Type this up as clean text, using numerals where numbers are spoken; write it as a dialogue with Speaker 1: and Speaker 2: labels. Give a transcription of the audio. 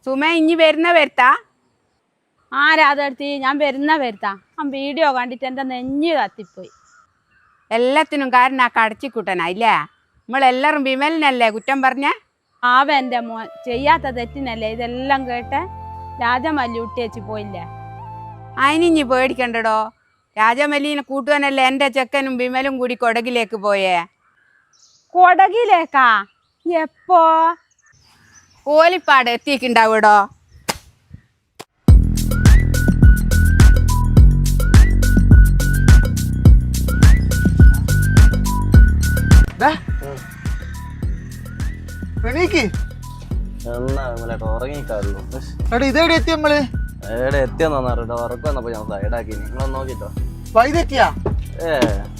Speaker 1: സുമ ഇനി വരുന്ന വരുത്താ?
Speaker 2: ആ രാധേടത്തി, ഞാൻ വരുന്ന വരുത്താ. ആ വീഡിയോ കണ്ടിട്ട് എൻ്റെ നെഞ്ഞ് കത്തിപ്പോയി.
Speaker 1: എല്ലാത്തിനും കാരണം ആ കടച്ചിക്കുട്ടനാ ഇല്ലേ? നമ്മളെല്ലാവരും വിമലിനല്ലേ കുറ്റം പറഞ്ഞ?
Speaker 2: ആവ എൻ്റെ മോൻ ചെയ്യാത്ത തെറ്റിനല്ലേ ഇതെല്ലാം കേട്ടെ. രാജമല്ലൂട്ടി വെച്ച് പോയില്ലേ?
Speaker 1: അതിനിഞ്ഞി പേടിക്കണ്ടടോ. രാജമല്ലീനെ കൂട്ടുവാനല്ലേ എൻ്റെ ചെക്കനും വിമലും കൂടി കൊടകിലേക്ക് പോയേ.
Speaker 2: കൊടകിലേക്കാ? എപ്പോ?
Speaker 1: ഓലിപ്പാട് എത്തിയിട്ടുണ്ടാവൂടോ.
Speaker 3: ഇതെവിടെ എത്തി നമ്മള്?
Speaker 4: എവിടെ എത്തിയെന്ന് പറഞ്ഞിട്ടോ ഉറക്കം വന്നപ്പോ ഞാൻ സൈഡാക്കി. നിങ്ങളൊന്ന് നോക്കിട്ടോ.
Speaker 3: വൈതെത്തിയാ?